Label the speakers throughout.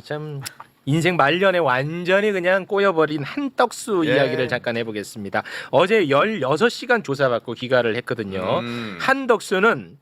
Speaker 1: 참 인생 말년에 완전히 그냥 꼬여버린 한떡수 이야기를 잠깐 해보겠습니다. 어제 16시간 조사받고 귀가를 했거든요. 한덕수는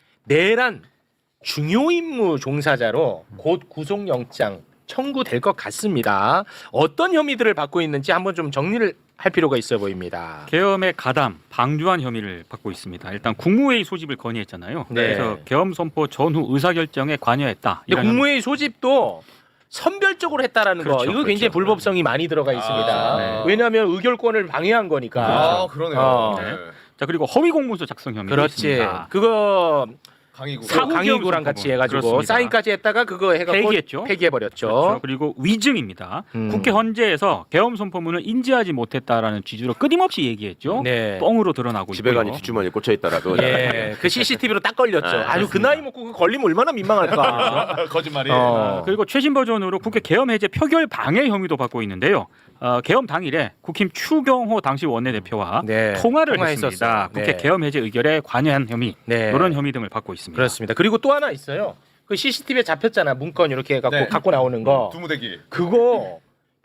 Speaker 1: 내란 중요 임무 종사자로 곧 구속영장 청구될 것 같습니다. 어떤 혐의들을 받고 있는지 한번 좀 정리를 할 필요가 있어 보입니다.
Speaker 2: 계엄의 가담, 방조한 혐의를 받고 있습니다. 일단 국무회의 소집을 건의했잖아요.
Speaker 1: 네.
Speaker 2: 그래서 계엄 선포 전후 의사결정에 관여했다.
Speaker 1: 근데 국무회의 소집도 선별적으로 했다라는 거
Speaker 2: 그렇죠,
Speaker 1: 이거 굉장히
Speaker 2: 그렇죠.
Speaker 1: 불법성이 많이 들어가 있습니다.
Speaker 2: 네.
Speaker 1: 왜냐하면 의결권을 방해한 거니까.
Speaker 3: 아, 그러네요.
Speaker 2: 네. 자, 그리고 허위 공문서 작성 혐의도
Speaker 1: 그렇지.
Speaker 2: 있습니다.
Speaker 1: 그거
Speaker 3: 강의구.
Speaker 1: 강의구랑 같이 해가지고
Speaker 2: 그렇습니다.
Speaker 1: 사인까지 했다가 그거 해갖고
Speaker 2: 폐기했죠.
Speaker 1: 폐기해버렸죠.
Speaker 2: 그렇죠. 그리고 위증입니다. 국회 헌재에서 계엄 선포문을 인지하지 못했다라는 취지로 끊임없이 얘기했죠.
Speaker 1: 네.
Speaker 2: 뻥으로 드러나고
Speaker 4: 집에
Speaker 2: 있고요.
Speaker 4: 가니 뒷주머니에 꽂혀 있다라도.
Speaker 1: 예, 그 CCTV로 딱 걸렸죠. 아주 그 나이 먹고 그 걸리면 얼마나 민망할까.
Speaker 3: 거짓말이.
Speaker 1: 그리고
Speaker 2: 최신 버전으로 국회 계엄 해제 표결 방해 혐의도 받고 있는데요. 계엄 당일에 국힘 추경호 당시 원내대표와
Speaker 1: 네,
Speaker 2: 통화를
Speaker 1: 통화했었어요.
Speaker 2: 했습니다. 국회
Speaker 1: 네.
Speaker 2: 계엄 해제 의결에 관여한 혐의
Speaker 1: 네.
Speaker 2: 이런 혐의 등을 받고 있습니다.
Speaker 1: 그렇습니다. 그리고 또 하나 있어요. 그 CCTV에 잡혔잖아. 문건 이렇게 해갖고
Speaker 3: 네.
Speaker 1: 갖고 나오는 거.
Speaker 3: 두무대기.
Speaker 1: 그거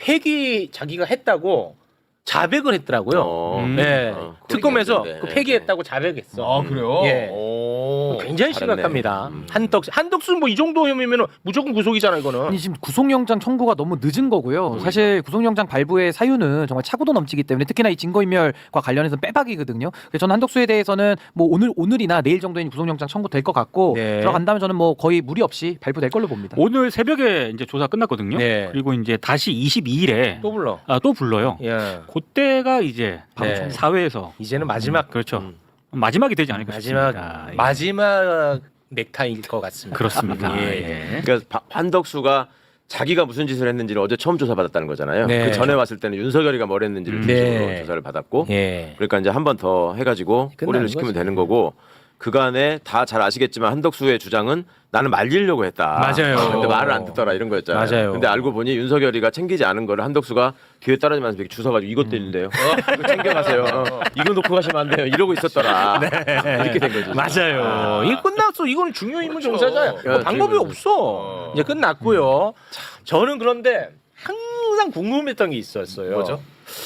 Speaker 1: 폐기 자기가 했다고 자백을 했더라고요. 네. 특검에서 그 폐기했다고 자백했어.
Speaker 3: 아, 그래요?
Speaker 1: 예.
Speaker 3: 오.
Speaker 1: 굉장히
Speaker 4: 잘했네.
Speaker 1: 심각합니다. 한덕수는 뭐 이 정도 혐의면 무조건 구속이잖아 이거는.
Speaker 5: 아니 지금 구속영장 청구가 너무 늦은 거고요. 사실 구속영장 발부의 사유는 정말 차고도 넘치기 때문에 특히나 이 증거인멸과 관련해서 빼박이거든요. 그래서 저는 한덕수에 대해서는 뭐 오늘이나 내일 정도에 구속영장 청구될 것 같고
Speaker 1: 네.
Speaker 5: 들어간다면 저는 뭐 거의 무리 없이 발부될 걸로 봅니다.
Speaker 2: 오늘 새벽에 이제 조사 끝났거든요.
Speaker 1: 네.
Speaker 2: 그리고 이제 다시 22일에
Speaker 1: 또 불러.
Speaker 2: 또 불러요.
Speaker 1: 예.
Speaker 2: 그때가 이제
Speaker 1: 네.
Speaker 2: 사회에서
Speaker 1: 이제는 마지막
Speaker 2: 그렇죠. 마지막이 되지 않을까
Speaker 1: 마지막
Speaker 2: 싶습니다. 예.
Speaker 1: 마지막 넥타이일 것 같습니다.
Speaker 2: 그렇습니다.
Speaker 1: 예.
Speaker 2: 예.
Speaker 4: 그러니까 한덕수가 자기가 무슨 짓을 했는지를 어제 처음 조사받았다는 거잖아요.
Speaker 1: 네.
Speaker 4: 그 전에 왔을 때는 윤석열이가 뭘 했는지를
Speaker 1: 네.
Speaker 4: 중심으로 조사를 받았고,
Speaker 1: 예.
Speaker 4: 그러니까 이제 한 번 더 해가지고
Speaker 1: 끝나는
Speaker 4: 꼬리를 시키면
Speaker 1: 거지.
Speaker 4: 되는 거고, 그간에 다 잘 아시겠지만 한덕수의 주장은 나는 말리려고 했다.
Speaker 1: 맞아요.
Speaker 4: 근데 말을 안 듣더라 이런 거였잖아요.
Speaker 1: 맞아요.
Speaker 4: 근데 알고 보니 윤석열이가 챙기지 않은 거를 한덕수가 뒤에 따라지면서 이렇게 주워가지고 이것 때린대요. 이거 챙겨가세요. 이거 놓고 가시면 안 돼요. 이러고 있었더라. 이렇게 된 거죠.
Speaker 1: 맞아요. 이게 끝났어. 이거는 중요 임무 종사자야. 뭐
Speaker 4: 그렇죠.
Speaker 1: 방법이
Speaker 4: 중요
Speaker 1: 없어. 이제 끝났고요. 저는 그런데 항상 궁금했던 게 있었어요.
Speaker 3: 뭐죠?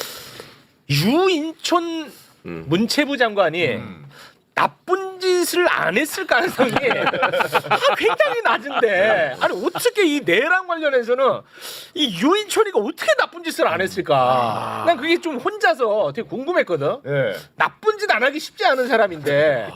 Speaker 1: 유인촌 문체부 장관이 나쁜 짓을 안 했을 가능성이 굉장히 낮은데 아니 어떻게 이 내랑 관련해서는 이 유인촌이가 어떻게 나쁜 짓을 안 했을까? 난 그게 좀 혼자서 되게 궁금했거든.
Speaker 3: 예.
Speaker 1: 나쁜 짓 안 하기 쉽지 않은 사람인데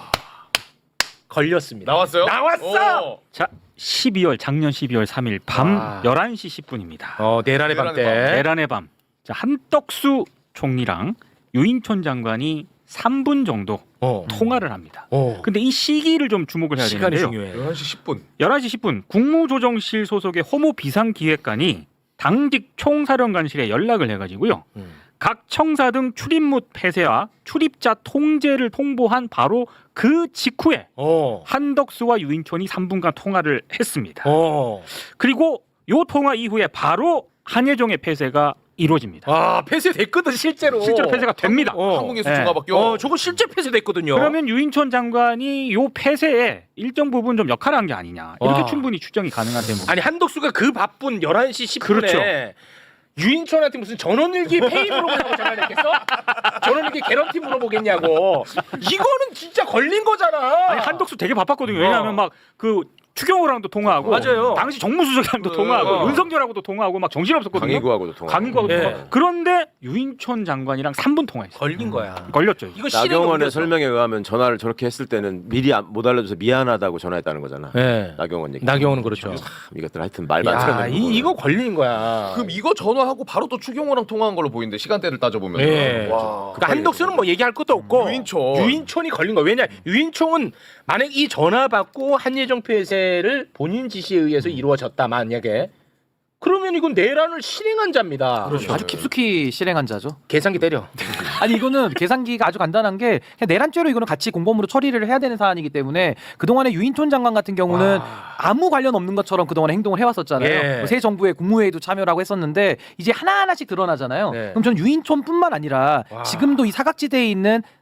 Speaker 1: 걸렸습니다.
Speaker 3: 나왔어요?
Speaker 1: 나왔어.
Speaker 3: 오.
Speaker 2: 자, 작년 12월 3일 밤 11시 10분입니다.
Speaker 1: 내란의 밤 때.
Speaker 2: 내란의 밤. 자, 한덕수 총리랑 유인촌 장관이 3분 정도 통화를 합니다. 근데 이 시기를 좀 주목을 해야
Speaker 1: 시간이
Speaker 2: 되는데요.
Speaker 1: 중요해.
Speaker 3: 11시 10분.
Speaker 2: 11시 10분 국무조정실 소속의 허모 비상기획관이 당직 총사령관실에 연락을 해가지고요. 각 청사 등 출입문 폐쇄와 출입자 통제를 통보한 바로 그 직후에 한덕수와 유인촌이 3분간 통화를 했습니다. 그리고 이 통화 이후에 바로 한예종의 폐쇄가 이루어집니다.
Speaker 1: 폐쇄됐거든 실제로.
Speaker 2: 실제로 폐쇄가 됩니다.
Speaker 3: 한국에서
Speaker 2: 네.
Speaker 3: 중화밖에.
Speaker 1: 저거 실제 폐쇄됐거든요.
Speaker 2: 그러면 유인촌 장관이 요 폐쇄에 일정 부분 좀 역할을 한 게 아니냐 이렇게
Speaker 1: 와.
Speaker 2: 충분히 추정이 가능한 대목.
Speaker 1: 아니 한덕수가 그 바쁜 11시 10분에
Speaker 2: 그렇죠.
Speaker 1: 유인촌한테 무슨 전원일기 페이 물어보려고 전화했겠어? 전원일기 개런티 물어보겠냐고. 이거는 진짜 걸린 거잖아.
Speaker 2: 아니 한덕수 되게 바빴거든요. 왜냐하면 막 그 추경호랑도 통화하고,
Speaker 1: 맞아요.
Speaker 2: 당시 정무수석이랑도 통화하고, 윤석열하고도 통화하고 막 정신 없었거든요.
Speaker 4: 강의구하고도 통화.
Speaker 2: 강의구하고도
Speaker 1: 예.
Speaker 2: 통화. 그런데 유인촌 장관이랑 3분 통화했어요.
Speaker 1: 걸린 거야.
Speaker 2: 걸렸죠.
Speaker 1: 이거 실행에
Speaker 4: 나경원의
Speaker 1: 옮겼어.
Speaker 4: 설명에 의하면 전화를 저렇게 했을 때는 미리 못 알려줘서 미안하다고 전화했다는 거잖아.
Speaker 1: 네.
Speaker 4: 나경원 얘기.
Speaker 1: 나경원은 그렇죠.
Speaker 4: 이것들 하여튼 말만
Speaker 1: 야,
Speaker 4: 틀어내는 거구나.
Speaker 1: 이거 걸린 거야.
Speaker 3: 그럼 이거 전화하고 바로 또 추경호랑 통화한 걸로 보이는데 시간대를 따져보면.
Speaker 1: 예.
Speaker 3: 와.
Speaker 1: 그러니까 한덕수는 뭐 얘기할 것도 없고
Speaker 3: 유인촌.
Speaker 1: 이 걸린 거야. 왜냐 유인촌은 만약 이 전화 받고 한예종 폐쇄를 본인 지시에 의해서 이루어졌다 만약에 그러면 이건 내란을 실행한 자입니다.
Speaker 5: 그렇죠. 아주 깊숙이 실행한 자죠.
Speaker 1: 계산기 때려.
Speaker 5: 아니 이거는 계산기가 아주 간단한 게 그냥 내란죄로 이거는 같이 공범으로 처리를 해야 되는 사안이기 때문에 그동안에 유인촌 장관 같은 경우는 아무 관련 없는 것처럼 그동안에 행동을 해왔었잖아요.
Speaker 1: 예.
Speaker 5: 뭐새 정부의 국무회의도 참여를 하고 했었는데 이제 하나하나씩 드러나잖아요.
Speaker 1: 네.
Speaker 5: 그럼 저는 유인촌뿐만 아니라 지금도 이 사각지대에 있는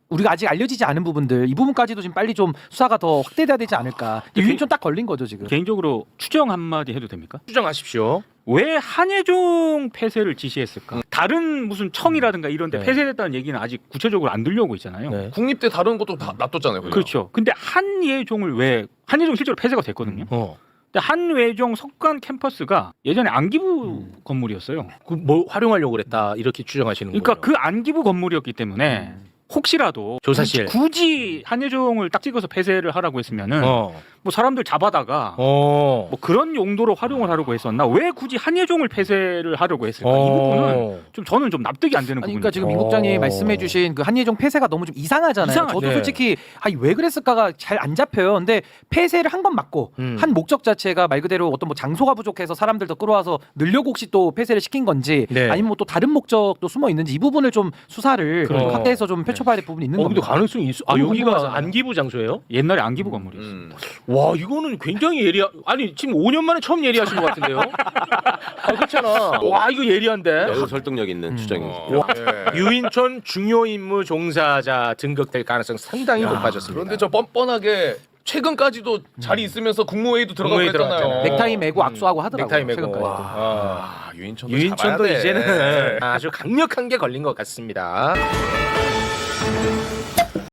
Speaker 5: 우리가 아직 알려지지 않은 부분들 이 부분까지도 지금 빨리 좀 수사가 더 확대돼야 되지 않을까. 유인촌 딱 걸린 거죠 지금.
Speaker 2: 개인적으로 추정 한마디 해도 됩니까?
Speaker 1: 추정하십시오.
Speaker 2: 왜 한예종 폐쇄를 지시했을까? 다른 무슨 청이라든가 이런 데
Speaker 1: 네.
Speaker 2: 폐쇄됐다는 얘기는 아직 구체적으로 안 들려오고 있잖아요.
Speaker 1: 네.
Speaker 3: 국립대 다른 것도 다 놔뒀잖아요. 그냥.
Speaker 2: 그렇죠. 근데 한예종을 왜 한예종 실제로 폐쇄가 됐거든요. 근데 한예종 석관 캠퍼스가 예전에 안기부 건물이었어요.
Speaker 1: 그 뭐 활용하려고 그랬다 이렇게 추정하시는 거예요.
Speaker 2: 그러니까 그 안기부 건물이었기 때문에 혹시라도
Speaker 1: 조사실.
Speaker 2: 굳이 한예종을 딱 찍어서 폐쇄를 하라고 했으면은 뭐 사람들 잡아다가 뭐 그런 용도로 활용을 하려고 했었나? 왜 굳이 한예종을 폐쇄를 하려고 했을까? 이 부분은 좀 저는 좀 납득이 안 되는
Speaker 5: 아니,
Speaker 2: 부분이에요.
Speaker 5: 그러니까 지금 임 국장이 말씀해주신 그 한예종 폐쇄가 너무 좀 이상하잖아요.
Speaker 2: 이상하죠.
Speaker 5: 저도
Speaker 1: 네.
Speaker 5: 솔직히 왜 그랬을까가 잘 안 잡혀요. 근데 폐쇄를 한 건 맞고 한 목적 자체가 말 그대로 어떤 뭐 장소가 부족해서 사람들 더 끌어와서 늘려고 혹시 또 폐쇄를 시킨 건지
Speaker 1: 네.
Speaker 5: 아니면 뭐 또 다른 목적도 숨어 있는지 이 부분을 좀 수사를
Speaker 1: 그러니까.
Speaker 5: 확대해서 좀 펼쳐봐야 될 부분이 있는
Speaker 1: 근데
Speaker 5: 겁니다.
Speaker 1: 가능성이 있어. 아
Speaker 5: 너무
Speaker 1: 여기가
Speaker 5: 궁금하잖아요.
Speaker 1: 안기부 장소예요?
Speaker 2: 옛날에 안기부 건물이었어요.
Speaker 1: 와 이거는 굉장히 아니 지금 5년 만에 처음 예리하신 것 같은데요? 아 그렇잖아. 와 이거 예리한데.
Speaker 4: 매우 설득력 있는 추정이죠.
Speaker 3: 예.
Speaker 1: 유인촌 중요 임무 종사자 등극될 가능성 상당히 높아졌습니다.
Speaker 3: 그런데 저 뻔뻔하게 최근까지도 자리 있으면서 국무회의도 들어가고
Speaker 1: 국무회의
Speaker 3: 했잖아요.
Speaker 1: 들어갔잖아요.
Speaker 5: 넥타이 매고 악수하고 하더라고요.
Speaker 1: 넥타이 매고.
Speaker 5: 최근까지도.
Speaker 3: 아, 유인촌도
Speaker 1: 유인촌도
Speaker 3: 잡아야 돼.
Speaker 1: 이제는 아주 강력한 게 걸린 것 같습니다.